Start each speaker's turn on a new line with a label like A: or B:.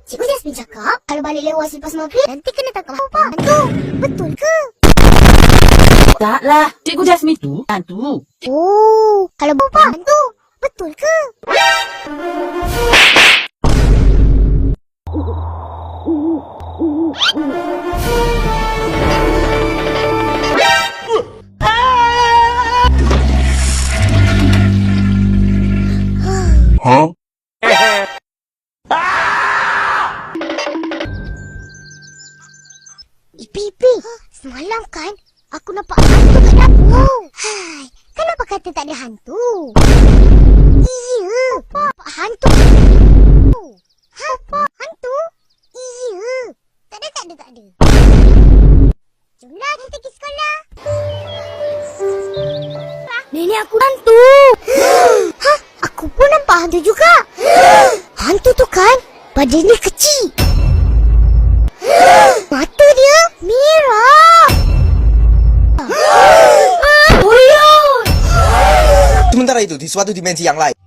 A: Cikgu Jasmine cakap, kalau balik lewat selepas maghrib, nanti kena tangkap hantu. Betul ke?
B: Taklah, Cikgu Jasmine tu hantu.
A: Oh, kalau hantu. Betul ke?
C: Huh?
A: Ipi, semalam kan aku nampak hantu kat dapur. Hai, kenapa kata tak ada hantu? Iya, hantu. Hantu? Iya. Tak ada. Jomlah kita pergi sekolah. Nenek aku hantu. Hah? Aku pun nampak hantu juga. Hantu tu kan badannya kecil. Mata dia merah.
C: Sementara itu, di suatu dimensi yang lain.